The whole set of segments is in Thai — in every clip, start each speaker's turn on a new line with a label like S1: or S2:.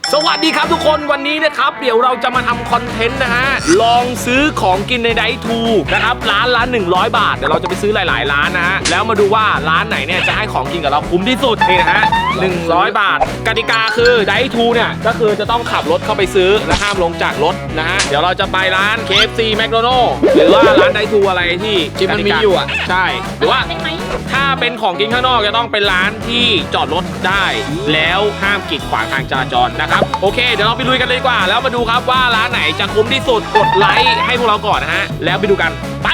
S1: สวัสดีครับทุกคนวันนี้นะครับเดี๋ยวเราจะมาทำคอนเทนต์นะฮะลองซื้อของกินในไดทูนะครับร้านละ100 บาทเดี๋ยวเราจะไปซื้อหลายๆร้านนะฮะแล้วมาดูว่าร้านไหนเนี่ยจะให้ของกินกับเราคุ้มที่สุดนี่นะฮะ100 บาทกติกาคือไดทูเนี่ยก็คือจะต้องขับรถเข้าไปซื้อและห้ามลงจากรถนะฮะเดี๋ยวเราจะไปร้าน KFC McDonald's หรือว่าร้านไดทูอะไรที่มันมีอยู่อ่ะใช่หรือว่าถ้าเป็นของกินข้างนอกจะต้องเป็นร้านที่จอดรถได้แล้วห้ามกีดขวางทางจราจรนะครับโอเคเดี๋ยวเราไปลุยกันเลยดีกว่าแล้วมาดูครับว่าร้านไหนจะคุ้มที่สุดกดไลค์ให้พวกเราก่อนนะฮะแล้วไปดูกันไป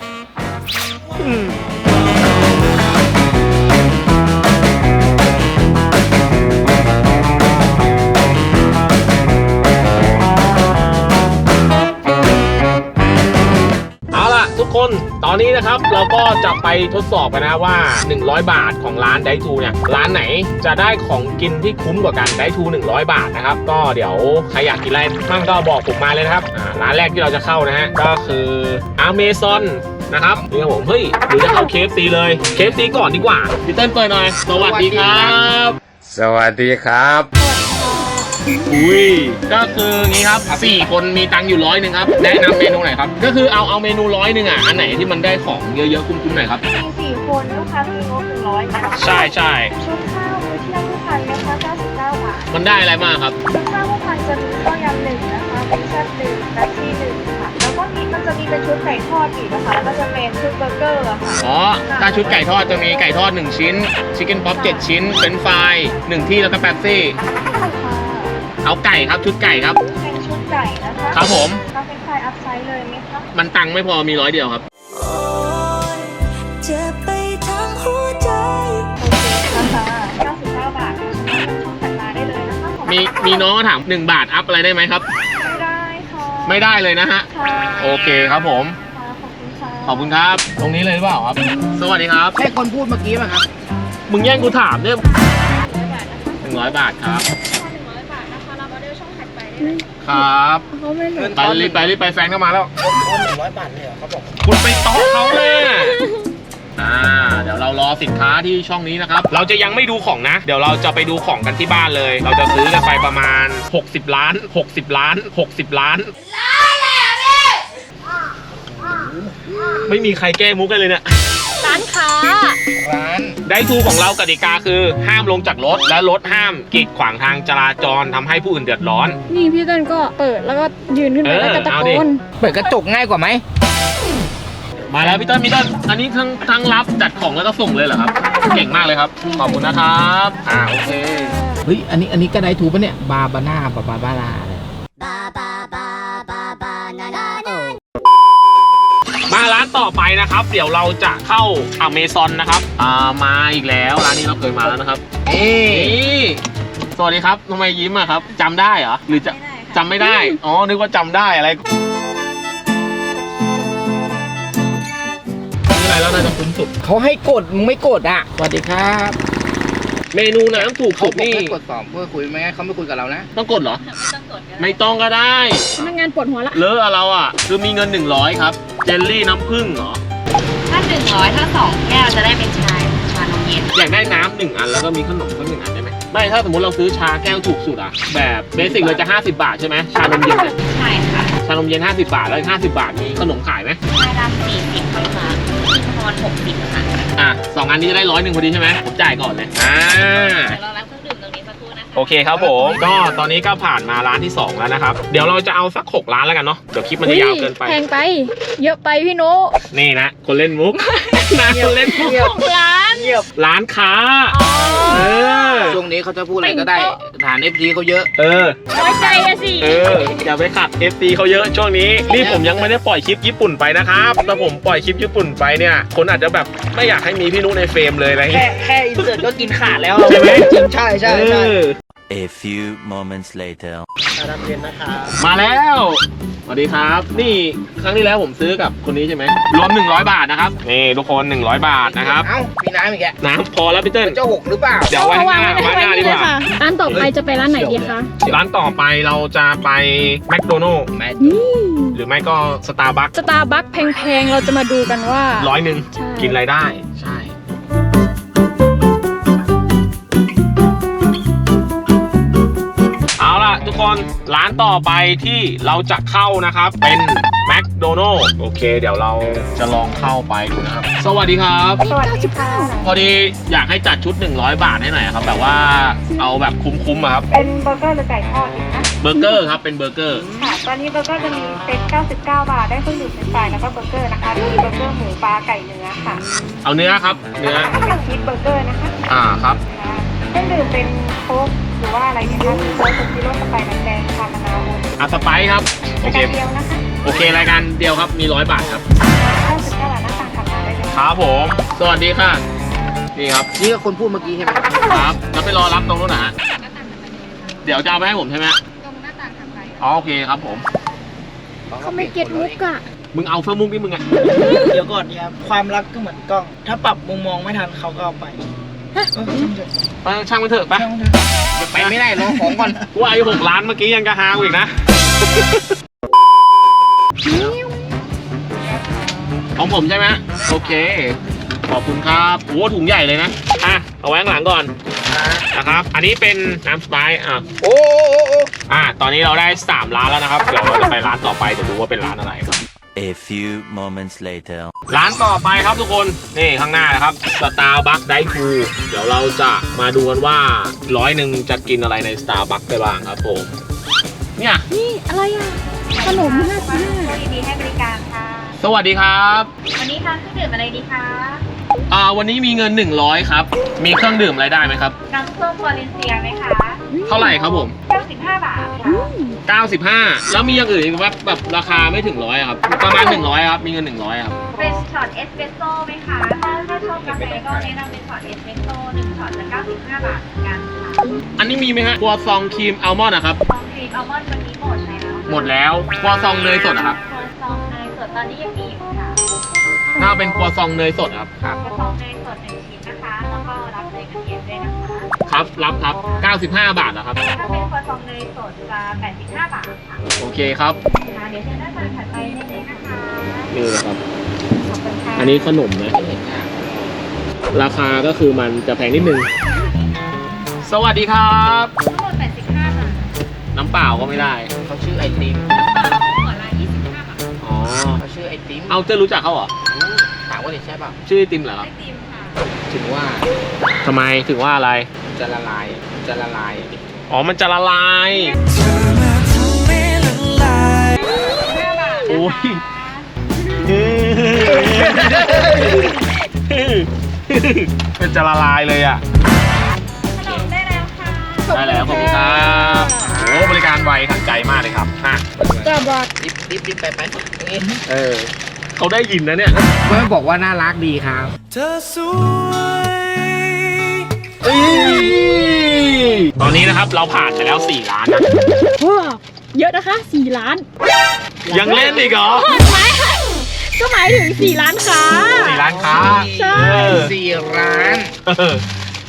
S1: ทุกคนตอนนี้นะครับเราก็จะไปทดสอบกันนะว่า100 บาทของร้านไดทูเนี่ยร้านไหนจะได้ของกินที่คุ้มกว่ากันไดทู100 บาทนะครับก็เดี๋ยวใครอยากกินอะไรมั่งก็บอกผมมาเลยนะครับร้านแรกที่เราจะเข้านะฮะก็คือ Amazon นะครับนี่ครับผมเฮ้ยหรือจะเข้า KFC เลย KFC ก่อนดีกว่าพี่เติ้ลเปิดหน่อยสวัสดีครับ
S2: สวัสดีครับ
S1: อุ้ยก็คืองี้ครับ4 คนมีตังค์อยู่100ครับแนะนำเมนูไหนครับก็คือเอาเมนู100อ่ะอันไหนที่มันได้ของเยอะๆคุ้มๆหน่อยครับ
S3: มี4 คนลูกค้ามีงบ100นะคะ
S1: ใช่
S3: ชุดข้าวมื้อเที่ยงผู้พันนะคะ99 บาท
S1: มันได้อะไรมากครับ
S3: ชุดข้าวผู้พันจะมีข้าวยำ1นะคะมีแซ่บ1และที่1ค่ะแล้วก็มันจะมีเป็นชุดไก่ทอดอีกนะคะแล้วก็จะเป็นชุดเบอร์เกอร์ค่ะ
S1: อ๋อถ้าชุดไก่ทอดจะมีไก่ทอด1 ชิ้นชิคเก้นป๊อป7 ชิ้นเฟรนช์ฟราย1 ที่แล้วก็แป๊บซี่เอาไก่ครับชุดไก่ครับ
S3: เป็นชุดไก่นะคะ
S1: ครับผม
S3: เราเป็นไฟอัพไซด์เลยไหมคะ
S1: มันตังค์ไม่พอมี100 เดียวครับ
S3: เจ็บไปทั้งหัวใจโอเคนะคะ99 บาทช่องถัดมาได้เลยนะคะ
S1: มีน้องถาม1 บาทอัพอะไรได้ไหมครับ
S3: ไม่ได้ค่ะ
S1: ไม่ได้เลยนะฮะโอเคครับผมขอบคุณครับตรงนี้เลยหรือเปล่าครับสวัสดีครับ
S2: ใช่คนพูดเมื่อกี้ป่ะครับ
S1: มึงแย่งกูถามเนี่ย100 บาทครับครับไปรีบไปแฟนเข้ามาแล้ว
S2: 100 บาทเลยเหรอครับผม
S1: คุณไปต๊อกเขาเลยเดี๋ยวเรารอสินค้าที่ช่องนี้นะครับเราจะยังไม่ดูของนะเดี๋ยวเราจะไปดูของกันที่บ้านเลยเราจะซื้อกันไปประมาณ60 ล้าน60 ล้าน60 ล้านไม่มีใครแก้มุกเลยเนี่ย
S3: ร้านค้า
S1: ร้านไดทูของเรากติกาคือห้ามลงจากรถและรถห้ามกีดขวางทางจราจรทำให้ผู้อื่นเดือดร้อน
S3: นี่พี่ต้นก็เปิดแล้วก็ยืนขึ้นไปแล้วก็ตะโกน
S2: เปิดกระจกง่ายกว่าไหม
S1: มาแล้วพี่ต้นอันนี้ทั้งรับจัดของแล้วก็ส่งเลยเหรอครับเก่งมากเลยครับขอบคุณนะครับโอเค
S2: เฮ้ยอันนี้ก็ได้ถูกปะเนี่ยบาบาน่าบาลาเลย
S1: มาร้านต่อไปนะครับเดี๋ยวเราจะเข้า Amazon นะครับมาอีกแล้วร้านนี้เราเคยมาแล้วนะครับสวัสดีครับทำไมยิ้มอะครับจำได้เหรอหรือจะจำไม่ได้อ๋อนึกว่าจำได้อะไรแล้วน่าจะคุ้มสุด
S2: เขาให้กดมึงไม่กดอ่ะสวัสดีครับ
S1: เมนูน้ำถูกสุดนี่
S2: กด2เพื่อคุยไม่งั้นเขาไม่คุยกับเรานะ
S1: ต้องกดเหรอไม่ต้องก็ได้
S3: พนักงานปวดหัวละ
S1: เลอะเราอ่ะคือมีเงิน100ครับเจลลี่น้ำผึ้งเหรอ
S3: ถ้า100ถ้า2 แก้วจะได้เป็นชานมเย็น
S1: อยากได้น้ำ1 อันแล้วก็มีขนมก็1 อันได้ไหมไม่ถ้าสมมติเราซื้อชาแก้วถูกสุดอ่ะแบบเบสิกเลยจะ50 บาทใช่ไหมชานมเย็นเนี่ย
S3: ใช่ค่ะ
S1: ชานมเย็น50 บาทแล้ว50 บาทมีขนมขายไหม
S3: ชาดำ40ค่ะมีพร60ค่ะ
S1: 2 อันนี้จะได้100 พอดีใช่ไหมผมจ่ายก่อนเลย
S3: เรารับเครื่องดื่มตรงนี้สักครู่นะคะ
S1: โอเคครับผมก็ตอนนี้ก็ผ่านมาร้านที่2แล้วนะครับเดี๋ยวเราจะเอาสัก6 ร้านแล้วกันเนาะเดี๋ยวคลิปมันจะยาวเกินไป
S3: แพงไปเยอะไปพี่โน
S1: นี่นะคนเล่นมุกนะคนเล่นมุกร้านค้า
S2: ช่วงนี้เขาจะพูดอะไรก็ได้ฐาน FT เขาเยอะ
S3: น้อยใจอะสิ
S1: อย่าไปขัด FT เขาเยอะช่วงนี้นี่ผมยังไม่ได้ปล่อยคลิปญี่ปุ่นไปนะครับถ้าผมปล่อยคลิปญี่ปุ่นไปเนี่ยคนอาจจะแบบไม่อยากให้มีพี่นุ๊กในเฟรมเลยอะไร
S2: แค่อินเสิร์ตก็กินขาดแล้ว
S1: ใช่ไหม
S2: จริงใช่
S4: A few moments later
S2: น้ำเย็นนะคะ
S1: มาแล้วสวัสดีครับนี่ครั้งที่แล้วผมซื้อกับคนนี้ใช่ไหมรวม100 บาทนะครับนี่ทุกคน100 บาทนะครับ
S2: มีน้ำอีกแก
S1: น้ำพอแล้วพี่เติ้ล
S2: เจ้า6หรือเปล่า
S1: เดี๋ยวไว้ข้างหน้าดีกว่า
S3: ร้านต่อไปจะไปร้านไหนดีคะ
S1: ร้านต่อไปเราจะไปแมคโดนัลด์หรือไม่ก็สตาร์บัค
S3: แพงๆเราจะมาดูกันว่า
S1: 100กินอะไรได้ใช่เอาล่ะคนร้านต่อไปที่เราจะเข้านะครับเป็นแมคโดนัลล์โอเคเดี๋ยวเราจะลองเข้าไปดูนะครับสวัสดีครับ
S3: สวัสดีค่ะ
S1: พอดีอยากให้จัดชุด100 บาทให้หน่อยครับแบบว่าเอาแบบคุ้มๆอะครับ
S3: เป็นเบอร์เกอร์หรือไก่ทอดดีคะ
S1: เบอร์เกอร์ครับเป็นเบอร์เกอร์
S3: ค่ะ ตอนนี้เบอร์เกอร์จะมีเซ็ต99 บาท ได้เครื่องดื่มเป็นไฟแล้วก็เบอร์เกอร์นะคะมีเบอร์เกอร์หมูปลาไก่เนื้อค่ะ
S1: เอาเนื้อครับเนื้อ
S3: เป็นชีสเบอร์เกอร์นะคะ
S1: ครับ
S3: ค่ะเครื่องดื่มเป็นโค้กหรือว่าอะไรเนี่ยคะมีโค้กซีโร่สไปร์น้ำแดงชามะนาว
S1: อ่ะสไปซ์ครับโอ
S3: ราย
S1: เค
S3: การเดียวนะคะ
S1: โอเครายการเดียวครับมี100 บาทครับ
S3: 99 บาทหน้าต่างถัดมาได้เลย
S1: ครับผมสวัสดีค่ะนี่ครับ
S2: นี่ก็คนพูดเมื่อกี้ใช่ไหม
S1: ครับแล้วไปรอรับตรงนู้นนะฮะเดี๋ยวจะเอาไปให้ผมใช่ไหม
S3: ตรงหน้าต่างถัดไป
S1: อ๋อโอเคครับผม
S3: เขาไม่เก็ตมุกอะ
S1: มึงเอาเฟื่องมุกนี่มึงไง
S5: เดี๋ยวก่อนครับความรักก็เหมือนกล้อง ถ้าปรับมุมมองไม่ทันเขาก็เอาไป
S1: ไปช่างมันเถอะไป
S2: ไปไม่ได้รอของก่อน
S1: กูอายุ6 ล้านเมื่อกี้ยังกระฮากูอีกนะของผมใช่ไหมโอเคขอบคุณครับโอ้ถุงใหญ่เลยนะอ่ะเอาไว้ข้างหลังก่อนนะครับอันนี้เป็นน้ำสไปซ์
S2: โอ้
S1: ตอนนี้เราได้3 ร้านแล้วนะครับเดี๋ยวเราจะไปร้านต่อไปจะดูว่าเป็นร้านอะไรครับ
S4: A few moments later.
S1: ร้านต่อไปครับทุกคนนี่ข้างหน้านะครับ Starbucks Drive Thru เดี๋ยวเราจะมาดูกันว่า100จะกินอะไรใน Starbucks ได้บ้างครับผมเนี่ย
S3: นี่อะไรอ่ะ ขนม55ยินดีให้บริการค่ะ
S1: สวัสดีครับ
S3: วันนี้ทานเครื่องดื่มอะไรดีคะ
S1: วันนี้มีเงิน100ครับมีเครื่องดื่มอะไรได้ไหมครับ
S3: น้ำส้มวาเลนเซียไหมคะ
S1: เท่าไหร่ครับผม
S3: 95 บาทค่ะ
S1: 95แล้วมีอย่างอื่นอีกไหมแบบราคาไม่ถึง100ครับประมาณ100ครับมีเงิน100ครับ
S3: เป็นช็อตเอสเปรสโซ่ไหมคะถ้าชอบกาแฟก็แนะนำเป็นช็อตเอสเปรสโซ่1ช็อตจะ95 บาทเหมือนกันค่ะ
S1: อันนี้มีไหมฮะครัวซองครีมอัลมอนด์นะครับ
S3: ซองครีมอัลมอนด์วันนี้หมดแล้ว
S1: หมดแล้วครัวซองเนยสดนะครับ
S3: ครัวซองเนยสดตอนนี้ยังมีอยู่ค่ะ
S1: ถ้าเป็นครัวซองเนยสดครับ
S3: ครัวซองเนยสด1ชิ้นนะคะ แล้วก็รับเนยกระเทียมด้วยนะคะ
S1: ครับรับครับ95 บาทนะครับ
S3: ถ้าเป็นครัวซองเนยสดจะ85 บาทค่ะ
S1: โอเคครับ
S3: ค่ะเดี๋ยวเชิญหน้าตาถัดไปได้เลยนะคะ
S1: นี่นะครับ
S3: ขอบคุณค่ะ
S1: อันนี้ขนมนะ ราคาก็คือมันจะแพงนิดนึง สวัสดีครับ
S3: ทั้งหมด85 บาท
S1: น้ำเปล่าก็ไม่ได้
S2: เขาชื่อไอติม
S3: หัวละ25 บาท
S1: อ๋อ
S2: เขาชื่อไอติม
S1: เอาเจ้ารู้จักเขาเหรอ
S2: ถามว่าเนี่ยใช่ป่ะ
S1: ชื่อไอติมเหรอครับ
S3: ไอติมค่ะ
S2: ถึงว่า
S1: ทำไมถึงว่าอะไร
S2: จะละลายจะละลาย
S1: อ๋อ มันจะละลาย
S3: 5 บาท
S1: โอ้ย มันจะละลายเลยอ่ะ
S3: ขนมได้แล้วค่ะ
S1: ได้แล้วขอบคุณครับโอ้บริการไวทันใจมากเลยครับอ่ะ
S2: รีบไปนี่
S1: เขาได้ยินนะเนี่ย
S2: เพื่อนบอกว่าน่ารักดีครับ
S1: ตอนนี้นะครับเราผ่านไปแล้ว4 ร้านนะ
S6: ว้าวเยอะนะคะ4 ล้าน
S1: ยังเล่นอีกเหรอ
S6: ก็หมายถึง4 ล้านค้า
S1: 4 ร้านค้า
S6: ใช่
S2: 4 ร้าน
S1: เออ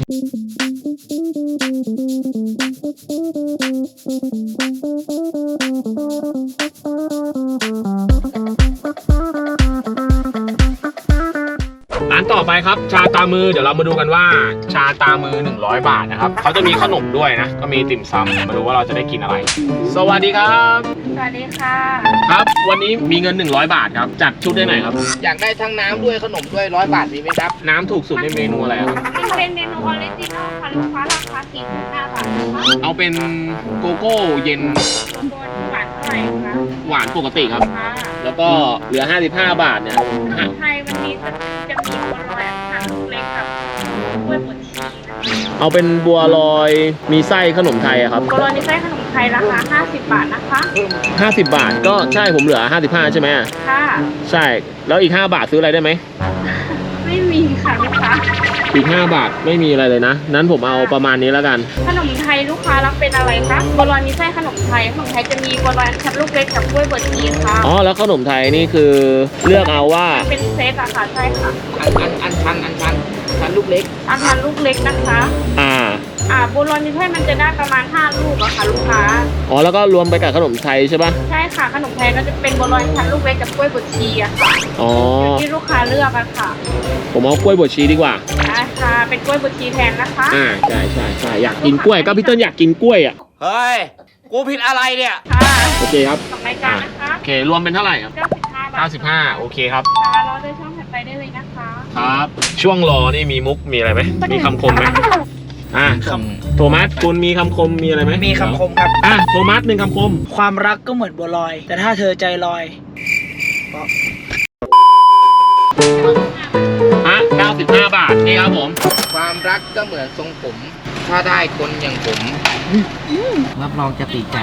S1: ร้านต่อไปครับชาตามือเดี๋ยวเรามาดูกันว่าชาตามือ100 บาทนะครับเขาจะมีขนมด้วยนะก็มีติ่มซำมาดูว่าเราจะได้กินอะไร สวัสดีครับ
S3: สวัสดีค่ะ
S1: ครับวันนี้มีเงิน100 บาทครับจัดชุดได้ไหนครับ
S2: อยากได้ทั้งน้ำด้วยขนมด้วย100 บาทมีไหมครับ
S1: น้ำถูกสุดในเมนูอะไรครับ
S3: เป็นเมนูออริจินอลค่ะลูกค้าราคา45 บาทนะคะ
S1: เอาเป็นโกโก้เย็น
S3: บนหวานเท่าไหร่คะ
S1: หวานปกติครับ
S3: ค่ะ
S1: แล้วก็เหลือ55 บาทเนี่ย
S3: ขนมไทยวันนี้จะมีบัวลอยอันลูกเล็กกับกล้วยบดชีสนะคะ
S1: เอาเป็นบัวลอยมีไส้ขนมไทยอะครับ
S3: บัวลอยในไส้ขนมไทยราคา50 บาทนะคะ
S1: 50 บาทก็ใช่ผมเหลือ55ใช่ไหม
S3: ค่ะ
S1: ใช่แล้วอีก5 บาทซื้ออะไรได้ไหม
S3: ไม่มีค่ะลูกค้า
S1: อีก5 บาทไม่มีอะไรเลยนะนั้นผมเอาประมาณนี้แล้วกัน
S3: ขนมไทยลูกค้ารับเป็นอะไรคะบัวลอยมีไส้ขนมไทยขนมไทยจะมีบัวลอยชั้นลูกเล็กกับกล้วยบดชีสค่ะ
S1: อ๋อแล้วขนมไทยนี่คือเลือกเอาว่า
S3: เป็นเซตอะค่ะใช่ค่ะ
S2: อันชันลูกเล็ก
S3: อาหารลูกเล็กนะคะ บัวลอยมีไส้มันจะได้ประมาณ5 ลูกอะค่ะลูกค้า
S1: อ๋อแล้วก็รวมไปกับขนมไทยใช่ปะ
S3: ใช่ค่ะขนมไทยก็จะเป็นบัวลอยชั้นลูกเล็กกับกล้วยบดชีอะค่ะ
S1: อ๋อ
S3: อยู่ที่ลูกค้าเลือกอะค่ะ
S1: ผมเอากล้วยบดชีดีกว่า
S3: ได้ค่ะเป็นกล้วยบดชีแทนนะคะ
S1: ใช่อยากกินกล้วยก็พี่เติ้ลอยากกินกล้วยอ่ะ
S2: เฮ้ยกูผิดอะไรเนี่ย
S6: ค่ะ
S1: โอเคครับ
S6: สองรายการนะคะ
S1: โอเครวมเป็นเท่าไหร่ครับ
S6: 95 บาท
S1: 95โอเคครับ
S6: ค่ะรอเดินช่องถัดไปได้เลยนะคะ
S1: ครับ ช่วงรอนี่มีมุกมีอะไรไหมมีคำคมไหมโทมัสคุณมีคำคมมีอะไรไหม
S5: มีคำคมครับ
S1: โทมัสหนึ่งคำคม
S5: ความรักก็เหมือนบัวลอย แต่ถ้าเธอใจลอย
S1: 95 บาทนี่ครับผม
S2: ความรักก็เหมือนทรงผม ถ้าได้คนอย่างผมรับรองจะติดใจ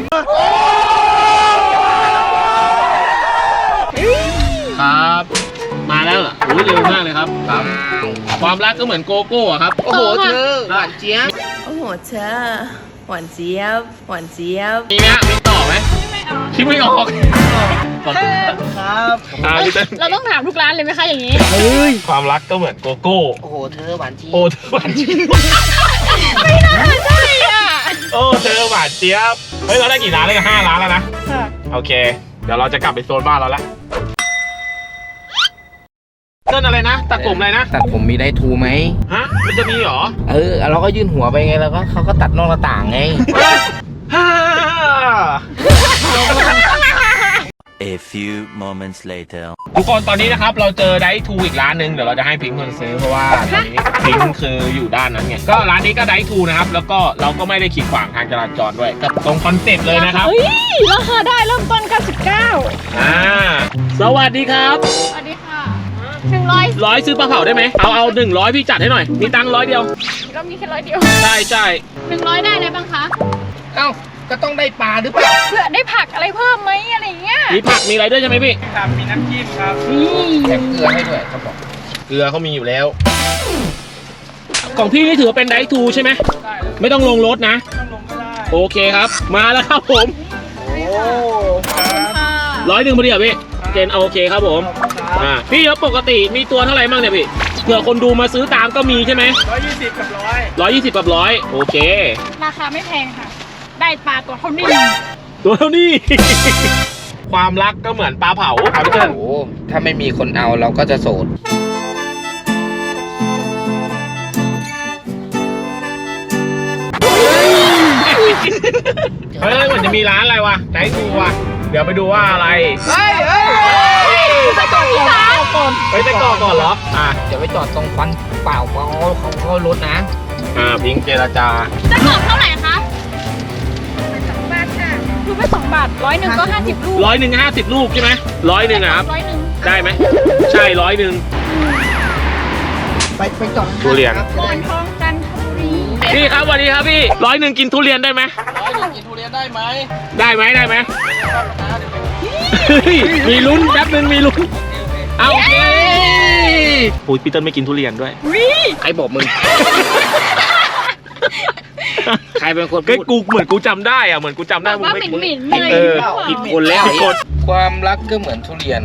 S1: ครับ มาแล้วเหรอโอ้ยเร็วมากเลยครับ ความรักก็เหมือนโกโก้อะครับ
S2: โอ้โหเธอหวานเจี๊ยบ
S7: โอ้โหเธอหวานเจี๊ยบหวานเจี๊ยบ
S1: มีไหมฮะมีต่อไหมคิดไม่ออก
S5: ครับ
S1: พี่เต้น
S6: เราต้องถามทุกร้านเลยไหมคะอย่างนี้
S1: ความรักก็เหมือนโกโก้
S2: โอ้โหเธอหวานเจี๊ย
S1: โอ้
S2: บ
S1: เธอหวานเจี๊ยบ
S6: ไม่น่าใช่อ่ะ
S1: โอ้เธอหวานเจี๊ยบเฮ้ยเราได้กี่ร้านแล้วกัน5 ร้านแล้วนะ
S6: ค่ะ
S1: โอเค เดี๋ยวเราจะกลับไปโซนบ้านเราละเต้นอะไรนะตัดผมอะไรนะ
S2: ตัดผมมีได้ทูไหม
S1: ฮะมันจะมีเหรอ
S2: เราก็ยื่นหัวไปไงแล้วก็เขาก็ตัดนอกหน้าต่างไง
S1: ฮ่า
S4: A few moments later.
S1: ทุกคนตอนนี้นะครับเราเจอไดทูอีกร้านหนึ่งเดี๋ยวเราจะให้พิงค์คนซื้อเพราะว่าตอนนี้พิงค์คืออยู่ด้านนั้นไงก็ร้านนี้ก็ไดทูนะครับแล้วก็เราก็ไม่ได้ขีดขวางทางจราจรด้วยกับตรงคอนเซ็ปต์เลยนะครับ
S6: เฮ้ยราคาได้เริ่มต้น 99
S1: สวัสดีครับ
S6: สวัสดีค่ะ100
S1: 100ซื้อปลาเผาได้ไหมเอา100พี่จัดให้หน่อยมีตังค์100 เดียว
S6: ก็มีแค่100 เดียว
S1: ใช่ใช่
S6: 100 ได้อะไรบ้างคะ
S2: เอ้าก็ต้องได้ปลาหรือเปล่า
S6: เพื่อได้ผักอะไรเพิ่มไหมอะไรอย่างเงี้ย
S1: มีผักมีอะไรด้วยใช่ไหมพี่
S5: ครับ มีน้ำจิ้มครับ
S6: นี่
S2: แถมเกลือให้ด้วยเขาบอก
S1: เกลือเขามีอยู่แล้วของพี่นี่ถือว่าเป็นไดทูใช่ไหมไม่ต้องลงรถนะ
S5: ต้องลงก็ได้
S1: โอเคครับ มาแล้วครับผม
S5: โอ้ครับ
S6: ค่ะ
S1: 100พอดีอ่ะพี่เจนโอเคครับผม พี่แล้วปกติมีตัวเท่าไหร่บ้างเนี่ยพี่เผื่อคนดูมาซื้อตามก็มีใช่ไหม
S5: 120 กับ
S1: 120กับ100โอเค
S6: ราคาไม่แพงค่ะ ได้ปลาตัวเท่านี้
S1: ตัวเท่านี้ ความรักก็เหมือนปลาเผาครับพี่เติ้ล
S2: โอ้ถ้าไม่มีคนเอาเราก็จะโสด
S1: เฮ้ยเหมือนจะมีร้านอะไรวะไดทูวะเดี๋ยวไปดูว่าอะไร
S2: เฮ้ย
S1: ไปไส้กรอกก่อนเหรอ
S2: จะไปจอดตรงควันเปล่าเขารถนะ
S1: พิงค์เจรจา
S6: จะกรอบเท่าไหร่คะ2 บาทค่ะลูกไม่2 บาท100ก็50 ลูก
S1: 50 ลูกใช่ไหม100นะครับ
S6: 100
S1: ได้ไหมใช่100
S5: ไปจอด
S1: ทุเรียน
S6: หมอนทองจันทบุรี
S1: พี่ครับสวัสดีครับพี่100กินทุเรียนได้ไหม
S2: กินทุเรียนได้ไหม
S1: ได้ไหมมีลุ้นแป๊บนึงมีลุ้นเอาโอเคโอ้ยปีเตอร์ไม่กินทุเรียนด้วย
S2: ใครบอกมึง ใครเป็นคน
S1: ก็
S2: พูด
S1: กูเหมือนกูจำได้อะเหมือนกูจำได้
S6: บอกว่า
S1: ไม่
S6: หมิ่นเลย
S1: เออ
S2: ผิดคนแล้ว
S1: ผิดคน
S2: ความรักก็เหมือนทุเรียน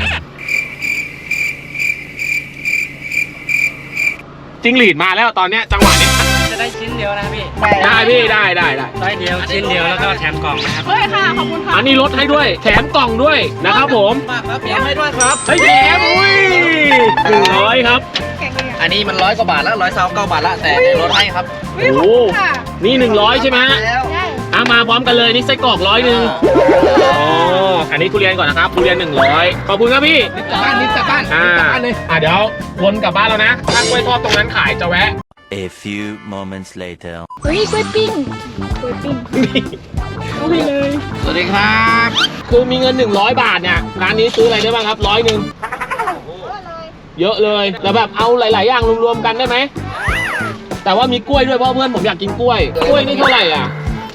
S1: จิ้งหรีดมาแล้วตอนเนี้ยจังหวะเนี้ย
S5: จะได้ชิ้นเดียวนะพี่
S1: ได้พี่ได้
S5: ได้เดียว ชิ้นเดียวแล้วก็แถมกล่องนะครับ
S6: เฮ้ยค่ะ ขอบคุณค่ะ
S1: อันนี้ลดให้ด้วยแถมกล่องด้วยนะครับผม
S5: มากครับแถมให้ด้วยครับ
S1: เฮ้ยแถมอุ้ย100ครับ
S6: แข่งเลยอ่ะ
S2: อันนี้มัน100 กว่าบาทแล้ว129 บาทละแต่ลดให้ครับ
S6: เฮ้ยขอบคุณค่ะ
S1: นี่100ใช่ไหมฮะ
S5: แล้ว
S6: ได้
S1: มาพร้อมกันเลยนี่ไส้กรอก100อันนี้ทุเรียนก่อนนะครับทุเรียน100ขอบคุณครับพี่
S2: กลับบ้านรีบกลับบ้านรีบกลับบ้านเลย
S1: เดี๋ยววนกลับบ้านแล้วนะถ้ากล้วยทอดตรงนั้นขายจะแวะ
S4: A few moments later.
S6: เฮ้ยกล้วยปิ้งกล้วยปิ้งเอาไปเลย
S2: สวัสดีครับ
S1: คือมีเงิน100 บาทเนี่ยร้านนี้ซื้ออะไรได้บ้างครับ100เยอะเลยแล้วแบบเอาหลาย ๆ อย่างรวม ๆ กันได้ไหมแต่ว่ามีกล้วยด้วยเพราะเพื่อนผมอยากกินกล้วยกล้วยนี่เท่าไหร่อ่ะ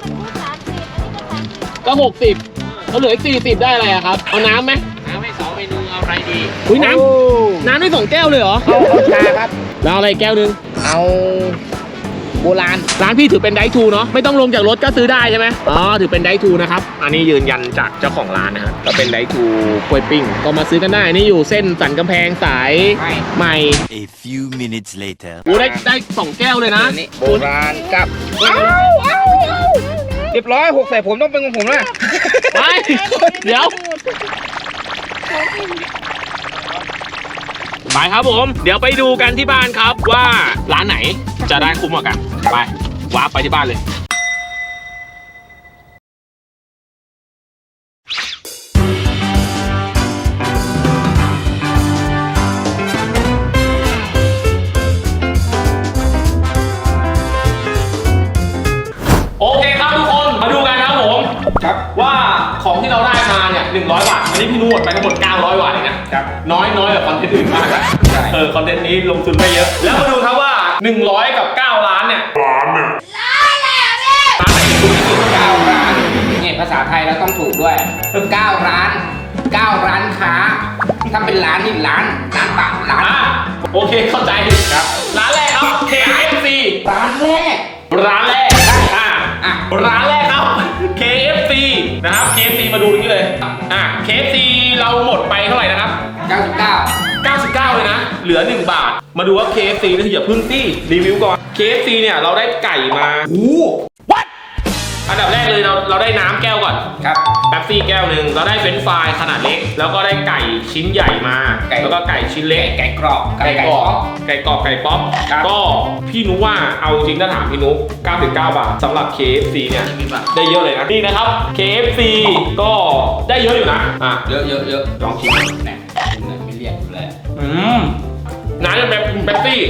S1: ก็60เขาเหลืออีก40ได้อะไรอะครับเอาน้ำไหม
S2: น้ำให้2 เมนูเอาอะไรดี
S1: อุ้ยน้ำได้2 แก้วเลยเหรอ
S2: เอาชาครับ
S1: แล้วอะไรแก้วนึง
S2: เอาโบราณ
S1: ร้านพี่ถือเป็นไดทูเนาะไม่ต้องลงจากรถก็ซื้อได้ใช่ไหมถือเป็นไดทูนะครับอันนี้ยืนยันจากเจ้าของร้านนะครับก็เป็นไดทูกล้วยปิ้งก็มาซื้อกันได้นี่อยู่เส้นสันกำแพงสายใหม่
S4: A few minutes later.
S1: กูได้2 แก้วเลยนะ
S2: อันนี้โบราณกับเรียบร้อย6ใส่ผมต้องเป็นของผมนะ
S1: ไปเดี๋ยวไปครับผมเดี๋ยวไปดูกันที่บ้านครับว่าร้านไหนจะได้คุ้มกว่ากันไปวาร์ปไปที่บ้านเลย 100 บาทอันนี้พี่นุ้หมดไปทั้งหมด 900 บาทเองนะครับน้อยกว่าคอนเทนต์อื่นมากอะคอนเทนต์นี้ลงทุนไม่เยอะ แล้วมาดูครับว่า 100 กับ 9 ล้านเนี่ยร้านไหนถูกที่สุด
S2: 9 ร้านเนี่ยภาษาไทยเราต้องถูกด้วย 9 ร้าน 9 ร้านค้า ถ้าเป็นร้านนี่ร้านปะร้าน
S1: โอเคเข้าใจครับร้านแรกครับ KFC
S2: ร้านแรก
S1: ร้านแรกร้านแรกครับ KFC นะครับ KFC มาดูตรงนี้เลยKFC เราหมดไปเท่าไหร่นะครับ 99 เลยนะ เหลือ 1 บาท มาดูว่า KFC นี่อย่าพึ่งตี้รีวิวก่อน KFC เนี่ยเราได้ไก่มาWhat อันดับแรกเลยเราได้น้ำแก้วก่อน
S2: ครับ
S1: แป๊บซี่แก้วหนึ่งเราได้เฟรนช์ฟรายขนาดเล็ก แล้วก็ได้ไก่ชิ้นใหญ่มาแล้วก็ไก่ชิ้นเล็ก
S2: ไก่กรอบ
S1: ไก่กรอบไก่ป๊อปก็พี่นุว่าเอาจริงถ้าถามพี่นุ99 บาทสำหรับ KFC เนี่ยได้เยอะเลยนะนี่นะครับ KFC ก็ได้เยอะอยู่นะ
S2: เยอะลองชิมเนี่ยไม่เรียกเลย
S1: น้ำจะแบบแป๊บซี่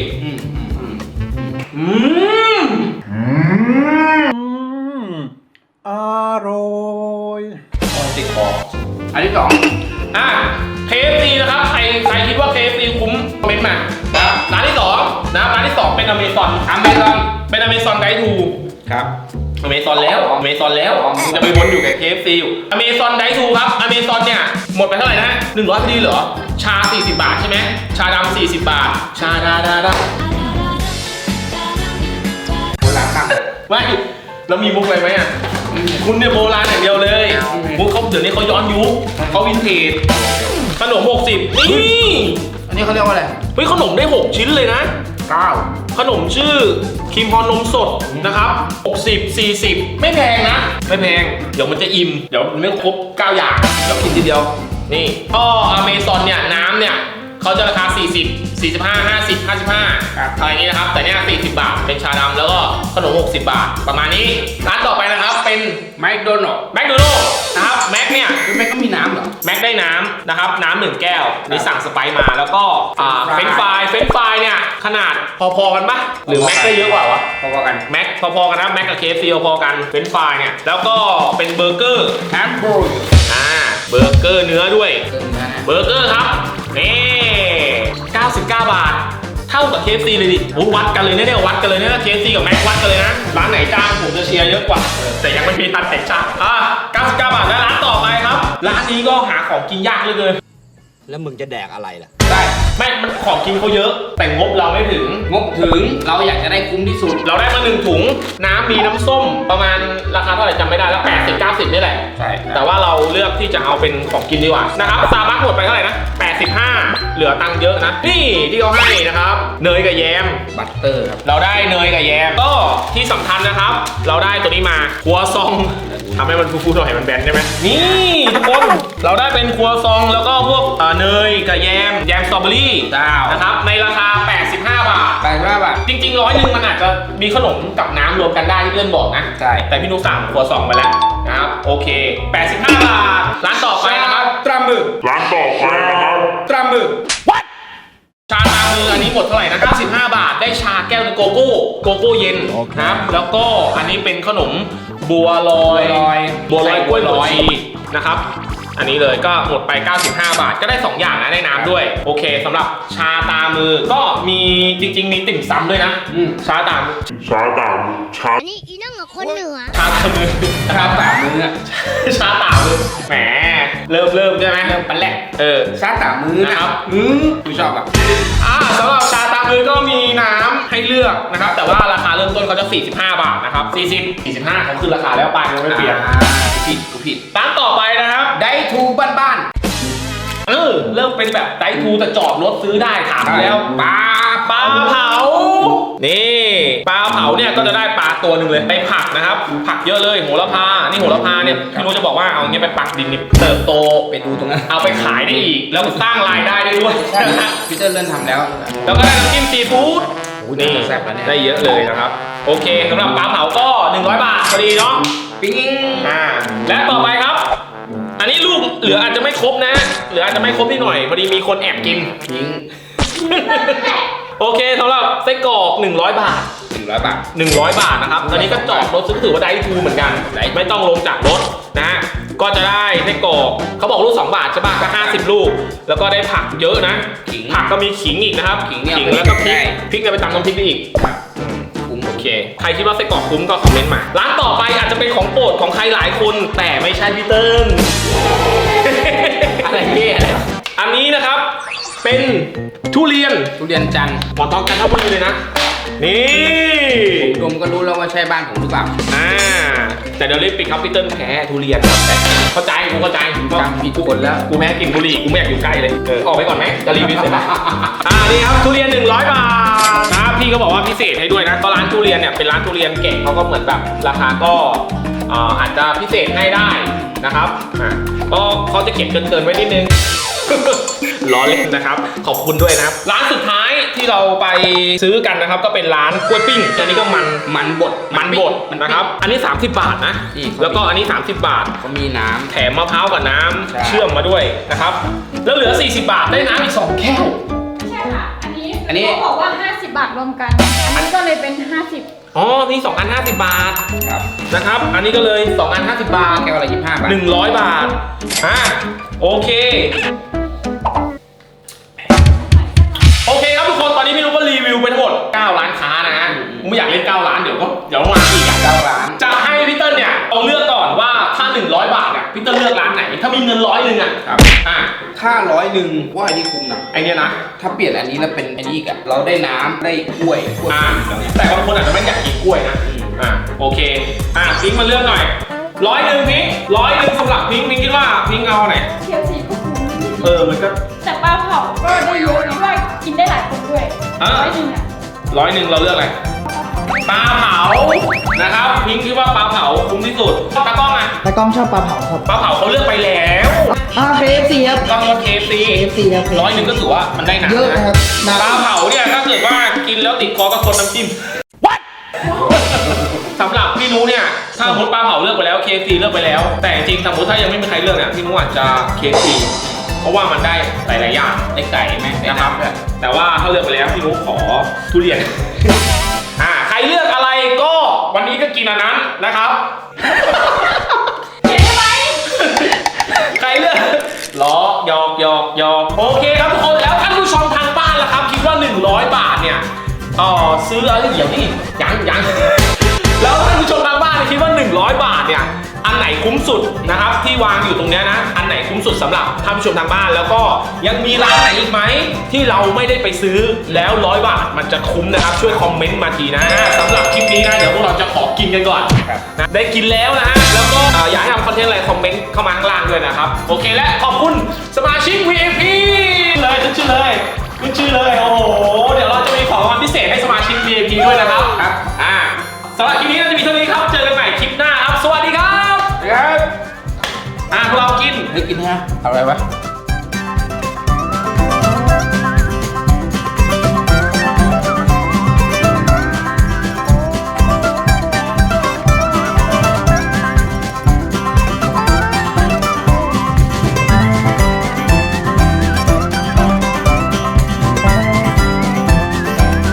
S8: อร่อย
S2: ติดคออันที่ 2
S1: KFC นะครับใครคิดว่า KFC คุ้มคอมเมนต์มานะครับร้านที่2นะครับร้านที่ 2 เป็น Amazon เป็น Amazon Guide to
S2: ครับ
S1: Amazon แล้วจะไปวนอยู่กับ KFC อยู่ Amazon Guide to ครับ Amazon เนี่ยหมดไปเท่าไหร่นะ100พอดีเหรอชา40 บาทใช่ไหมชาดำ40 บาทชาดา
S2: โบราณมาก
S1: ไม่แล้วมีมุกอะไรไหมอ่ะคุณเนี่ยโบราณอย่างเดียวเลยมุกเขาเดี๋ยวนี้เขาย้อนยุคเขาวินเทจขนม60นี่
S2: อันนี้เขาเรียกว่าอะไร
S1: เฮ้ยขนมได้ 6 ชิ้นเลยนะ
S2: 9
S1: ขนมชื่อครีมพอนมสดนะครับ60 40ไม่แพงนะไม่แพงเดี๋ยวมันจะอิ่มเดี๋ยวมันไม่ครบ9อย่างเดี๋ยวกินทีเดียวนี่ก็ Amazon เนี่ยน้ำเนี่ยเขาจะราคา40 45 50 55อะไรอย่างนี้นะครับแต่เนี่ย40 บาทเป็นชาดำแล้วก็ขนม60 บาทประมาณนี้ร้านต่อไปนะครับเป็น
S2: แมคโดนัลด์
S1: นะครับแม็กเนี่ย
S2: แม็กก็มีน้ำเหรอ
S1: แม็กได้น้ำนะครับน้ำ1 แก้วนี่สั่งสไปซ์มาแล้วก็เฟรนช์ฟรายเนี่ยขนาดพอๆกันปะหรือแม็กได้เยอะกว่าวะ
S2: พอๆกัน
S1: แม็กพอๆกันนะแม็กกับ KFC พอๆกันเฟรนช์ฟรายเนี่ยแล้วก็เป็นเบอร์เกอร์
S2: แฮมเบอร์
S1: เบอร์เกอร์เนื้อด้วยเบอร์เกอร์ครับนี่99 บาทเท่ากับ KFC เลยดิวัดกันเลยนะเนี่ยวัดกันเลยนะ KFC กับแม็กวัดกันเลยนะร้านไหนจ้างผมจะเชียร์เยอะกว่าแต่ยังไม่มีทันแต่จ้าง99 บาทและร้านต่อไปครับร้านนี้ก็หาของกินยากเหลือเกิน
S8: แล้วมึงจะแดกอะไรล่ะ
S2: ได้
S1: ไม่มันของกินเขาเยอะแต่งบเราไม่ถึง
S2: เราอยากจะได้คุ้มที่สุด
S1: เราได้มา1 ถุงน้ำมีน้ำส้มประมาณราคาเท่าไหร่จำไม่ได้แล้ว80-90นี่แหละ
S2: ใช่
S1: แต่ว่าเราเลือกที่จะเอาเป็นของกินดีกว่านะครับซาบักหมดไปเท่าไหร่นะ85เหลือตังค์เยอะนะนี่ที่เขาให้นะครับเนยกับแยม
S2: บัตเตอร์ครับ
S1: เราได้เนยกับแยมก็ที่สำคัญนะครับเราได้ตัวนี้มาครัวซองทำให้มันฟูๆหน่อยมันแบนได้ไหมนี่ทุกคนเราได้เป็นครัวซองแล้วก็พวกเนยกับแยมสตรอเบอรี่นะครับในราคา85 บาทจริงๆ100มันอาจจะมีขนมกับน้ำรวมกันได้ที่เพื่อนบอกนะ
S2: ใช่
S1: แต่พี่นุ๊กสั่งครัวซองไปแล้วนะครับโอเค85 บาทร้านต่อไปนะครับ
S2: ตรามือ
S1: What ชาตามืออันนี้หมดเท่าไหร่นะ95 บาทได้ชาแก้วนึงโกโก้เย็นนะครับแล้วก็อันนี้เป็นขนมบัวลอยกล้วยบวชชีนะครับอันนี้เลยก็หมดไป95 บาทก็ได้2อย่างนะได้น้ำด้วยโอเคสำหรับชาตามือก็มีจริงๆมีติ่มซำด้วยนะชาตามือ
S3: อันนี้อีนั่งกับคนเหนือ
S1: ชาตามือชาตามือแหมเริ่มใช่ไหม
S2: เริ่มปันแรกชาตามือ
S1: นะครับ
S2: กูชอบอ่ะ
S1: สำหรับชาตามือก็มีน้ำให้เลือกนะครับแต่ว่าราคาเริ่มต้นเขาจะ45 บาทนะครับ45เขาขึ้นราคาแล้วป้ายยังไม่เปลี่ยน
S2: กูผิด
S1: ร้านต่อไปนะครับ
S2: ไดทูบ้าน
S1: เริ่มเป็นแบบไดทูแต่จอดรถซื้อได้ถามแล้วปลาเผานี่ปลาเผาเนี่ยก็จะได้ปลาตัวหนึ่งเลยไปผักนะครับผักเยอะเลยโหระพานี่โหระพาเนี่ยพี่นุ้ยจะบอกว่าเอาเงี้ยไปปักดินเติบโต
S2: ไปดูตรงนั้น
S1: เอาไปขายได้อีกแล้วสร้างรายได้ได้ด้วย
S2: พี่เติ้ลเริ่มทำแล้ว
S1: ก็ได้น้ำจิ้มซีฟู้ดนี่ได้เยอะเลยนะครับโอเคสำหรับปลาเผาก็100 บาทพอดีเนาะ
S2: ปิ้ง
S1: และต่อไปครับอันนี้ลูกเหลืออาจจะไม่ครบนะเหลืออาจจะไม่ครบนิดหน่อยพอดีมีคนแอบกินโอเคสำหรับไส้กรอก100 บาท100 บาทนะครับตอนนี้ก็จอดรถซื้อถือว่าได้ทูเหมือนกันไม่ต้องลงจากรถนะก็จะได้ไส้กรอกเขาบอกลูก2 บาทใช่ป่ะก็50 ลูก แล้วก็ได้ผักเยอะนะ
S2: ขิง
S1: ผักก็มีขิงอีกนะครับ
S2: ขิงเนี่ย
S1: แล้วก็พริ
S2: ได้
S1: กพริกเนี่ยไปตำน้ำพริกได้อีก
S2: คุ้ม
S1: โอเค ใครคิดว่าไส้กรอกคุ้มก็คอมเมนต์มา ร้านต่อไปอาจจะเป็นของโปรดของใครหลายคน แต่ไม่ใช่พี่เติ้ล
S2: อะไรเนี่ย
S1: อันนี้นะครับ เป็นทุเรียน
S2: ทุเรียนจันทร์
S1: หมอนทองจันทบุรีเลยนะ นี่
S2: ผมดมก็รู้แล้วว่าใช่บ้านผมหรือเปล่า
S1: แต่เดี๋ยวรีบปิดครับพี่เติ้ลแพ้ทุเรียนครับเข้าใจกูเข้าใจ
S2: จำผิดคนแล้ว
S1: กูแพ้กินบุหรี่กูไม่อยากอยู่ใกล้เลยออกไปก่อนไหมจะรีวิวเสร็จไหมนี่ครับทุเรียน100 บาทนะพี่ก็บอกว่าพิเศษให้ด้วยนะก็ร้านทุเรียนเนี่ยเป็นร้านทุเรียนเก่งเขาก็เหมือนแบบราคาก็อาจจะพิเศษให้ได้นะครับก็เขาจะเก็บเกินๆไว้นิดนึง ล้อเล่นนะครับขอบคุณด้วยนะครับร้านสุดท้ายที่เราไปซื้อกันนะครับก็เป็นร้านกล้วยปิ้งอันนี้ก็มันบดนะครับอันนี้30 บาทนะแล้วก็อันนี้30 บาท
S2: ก็มีน้ำ
S1: แถมมะพร้าวกับน้ำ
S2: ใช่
S1: เชื่อมมาด้วยนะครับแล้วเหลือ40 บาทได้น้ำอีก2 แก้ว
S6: ใช่ค่ะ อันนี้เขาบอกว่า 50 บาทรวมกัน อันนี้ก็เลยเป็น 50
S1: อ๋อนี่2 อัน50 บาท
S2: ครับ
S1: นะครับอันนี้ก็เลย2 อัน50 บาท
S2: แก้วละ25 บาท
S1: 100 บาทโอเคครับทุกคนตอนนี้พี่นุ๊กก็รีวิวไปทั้งหมด9 ร้านค้านะฮะผมไม่อยากเล่น9 ร้านเดี๋ยวมาอีก
S2: 9 ร้าน
S1: จะให้พี่เติ้ลเนี่ยเอาเลือกก่อนว่าถ้า100 บาทเนี่ยพี่เติ้ลเลือกร้านไหนถ้ามีเงิน100 นึงอ่ะ
S2: ครับ ถ้า100ว่าอันนี้คุ้มนะ
S1: ไอเนี้ยนะ
S2: ถ้าเปลี่ยนอันนี้แล้วเป็นอันนี้อีกอะเราได้น้ำได้กล้วย
S1: แต่บางคนอาจจะไม่อยากกินกล้วยนะโอเคพิงค์มาเลือกหน่อย100 พิงค์100 สำหรับพิงค์คิดว่าพิงค์เอาไหน
S6: เทียบสีก็คุ้ม
S1: มันก็
S6: แต่ปลาเผาก็ได้เยอะนะว่ากินได้หลายคนด้วย 100 อ่ะ
S1: 100 เราเลือกอะไรปลาเผานะครับพิงค์คิดว่าปลาเผาคุ้มที่สุดตากล้องอ่ะ
S5: แต่กล้องชอบปลาเผาครับ
S1: ปลาเผาเขาเลือกไปแล้ว
S5: KFC ครับ
S1: ก็KFC
S5: ครับ
S1: 100 ก็ถือว่ามันได้หนัก
S5: เยอะนะครับ
S1: ปลาเผาเนี่ยถ้าเกิดว่ากินแล้วติดคอก็คนน้ำจิ้ม What สำหรับพี่นุเนี่ยถ้าสมมติปลาเผาเลือกไปแล้ว KFC เลือกไปแล้ว แต่จริงๆสมมติถ้ายังไม่มีใครเลือกเนี่ยพี่นุอาจจะ KFC เพราะว่ามันได้หลายๆอย่าง
S2: ได้ไก่ไหมได้
S1: นะครับ
S2: น้ำด้วย
S1: แต่ว่าถ้าเลือกไปแล้วพี่นุขอทุเรียน ใครเลือกอะไรก็วันนี้ก็กินอันนั้นนะครับ
S6: เห็นไหม
S1: ใครเลือกล้อหยอกโอเคครับทุกคนแล้วท่านผู้ชมทางบ้านล่ะครับคิดว่า100 บาทเนี่ยซื้ออะไรเดี๋ยวนี่ยังแล้วท่านผู้ชมทางบ้านคิดว่า100 บาทเนี่ยอันไหนคุ้มสุดนะครับที่วางอยู่ตรงเนี้ยนะอันไหนคุ้มสุดสำหรับท่านผู้ชมทางบ้านแล้วก็ยังมีร้านไหนอีกไหมที่เราไม่ได้ไปซื้อแล้ว100 บาทมันจะคุ้มนะครับช่วยคอมเมนต์มาทีนะสำหรับคลิปนี้นะเดี๋ยวพวกเราจะขอกินกันก่อนนะได้กินแล้วนะฮะแล้วก็อยากให้ทำคอนเทนต์อะไรคอมเมนต์เข้ามาข้างล่างด้วยนะครับโอเคและขอบคุณสมาชิก VIP เลยขึ้นชื่อเลยโอ้โหเดี๋ยวเราจะมีของรางวัลพิเศษให้สมาชิก VIP ด้วยนะครับสำหรับคลิปนี้น่าจะมีเท่านี้ครับเจอกันใหม่คลิปหน้าครับสวัสดีครับพวกเรากิน
S2: ได้กินฮะเอาอะไรวะ